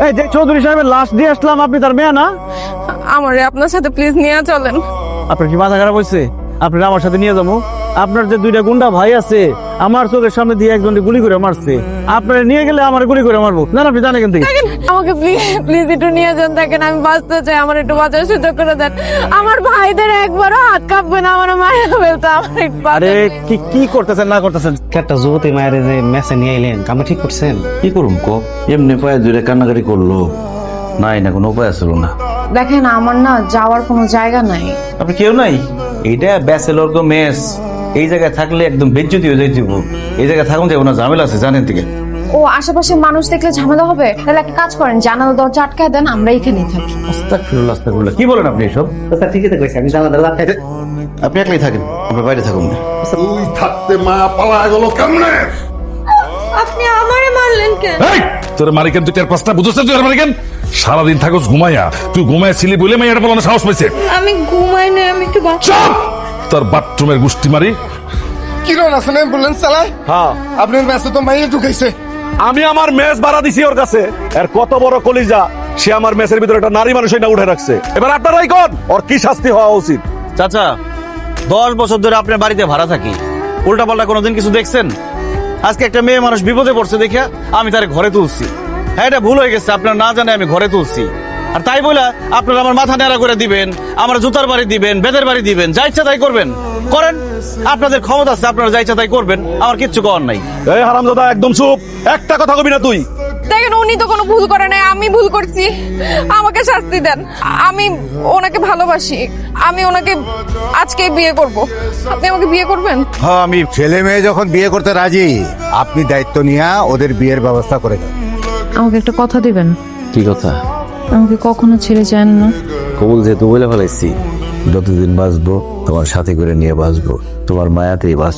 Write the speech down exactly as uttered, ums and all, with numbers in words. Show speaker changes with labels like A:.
A: এই যে চৌধুরী সাহেবের লাশ দিয়ে আসলাম, আপনি তার মেয়ে না?
B: আমারে আপনার সাথে প্লিজ নিয়ে চলেন।
A: আপনার কি মাথা খারাপ হয়েছে? আপনি আমার সাথে নিয়ে যাবো? আপনার যে দুইটা গুন্ডা ভাই আছে, আমার চোখের সামনে দিয়ে একজনকে গুলি করে মারছে, আপনারা নিয়ে গেলে আমার গুলি করে মারবো না? আপনি জানেন কিন্তু
B: আমাকে প্লিজ প্লিজ একটু নিয়ে যান, দেখেন আমি বাঁচতে চাই, আমার একটু বাঁচার সুযোগ করে দেন। আমার ভাইদের একবারও হাত কাঁপবে না, আমার মায়ের ফেলতে আমার একটু
A: আরে কি কি করতেছেন না করতেছেন?
C: একটা যুবতী মায়ের যে মেসে নিয়ে এলেন, কামে ঠিক করছেন?
D: কি করুম ক এমনি পায়ে দুইটা কান্নাকাটি করলো, নাই না কোনো উপায় আসলো না।
B: দেখেন আমার না যাওয়ার কোনো জায়গা নাই।
D: আপনি কেউ নাই? এইটা ব্যাচেলর গো মেস, এই জায়গায় থাকলে একদম বেজ্জতি হয়ে যাইতে। এই জায়গায় থাকুন যাবো না, ঝামেলা আছে জানেন থেকে।
B: ও আশেপাশে মানুষ দেখলে ঝামেলা হবে, তাহলে একটা কাজ করেন, জানালা দরজা আটকায় দেন, আমরা এখানেই থাকি।
D: আস্তাগফিরুল্লাহ আস্তাগফিরুল্লাহ, কি বলেন আপনি এসব?
C: আচ্ছা ঠিকই তো কইছি, আমি জানা দাদা খাইতে
D: আপনি একলাই থাকেন, আপনি বাইরে থাকুন না।
E: তুই থাকতে মা পালা গেল কেমনে?
B: আপনি আমারে মারলেন কেন?
F: এই তোর মারিকেন তুই চার পাঁচটা বুঝছিস? তুই মারিকেন সারাদিন থাকস ঘুমাইয়া, তুই ঘুমাইয়া ছিলি বলে মেয়েটা বলানো সাহস পাইছে।
B: আমি ঘুমাই না, আমি একটু
F: চুপ! তোর বাথরুমের গুষ্টি মারি।
E: কিরণ আছেন অ্যাম্বুলেন্স চালায়?
A: হ্যাঁ,
E: আপনার মেসে তো মাইয়ে ঢুকাইছে।
A: আমি আমার মেস ভাড়া দিছি ওর কাছে, এর কত বড় কলিজা, সে আমার মেসের ভিতরে একটা নারী মানুষ না উঠে রাখছে। এবার আপনারাই কোন ওর কি শাস্তি হওয়া উচিত? চাচা, দশ বছর ধরে আপনার বাড়িতে ভাড়া থাকি, উল্টা পাল্টা কোনোদিন কিছু দেখছেন? আজকে একটা মেয়ে মানুষ বিপদে পড়ছে দেখে আমি তার ঘরে তুলছি। হ্যাঁ, এটা ভুল হয়ে গেছে, আপনার না জানে আমি ঘরে তুলছি। আর তাই বলে আপনারা আমার মাথা নেড়া করে দিবেন, আমার জুতার বাড়ি দিবেন, বেদের বাড়ি দিবেন, যা ইচ্ছা তাই করবেন, করেন। আপনাদের ক্ষমতা আছে, আপনারা যা ইচ্ছা তাই করবেন, আমার কিচ্ছু করার নাই। এই হারামজাদা, একদম চুপ, একটা কথা কবি না তুই।
B: দেখেন উনি তো কোনো ভুল করে নাই, আমি ভুল করছি, আমাকে শাস্তি দেন। আমি ওনাকে ভালোবাসি, আমি ওনাকে আজকেই বিয়ে করব। আপনি আমাকে বিয়ে করবেন?
G: হ্যাঁ, আমি ছেলে মেয়ে যখন বিয়ে করতে রাজি, আপনি দায়িত্ব নিয়ে ওদের বিয়ের ব্যবস্থা করে দেন।
B: আমাকে একটা কথা দিবেন,
D: কি কথা?
B: আমাকে কখনো ছেড়ে যান না।
D: কবুল যেহেতু বলে ফেলাইছি, যতদিন বাঁচবো তোমার সাথে করে নিয়ে বাঁচবো, তোমার মায়াতেই বাঁচবো।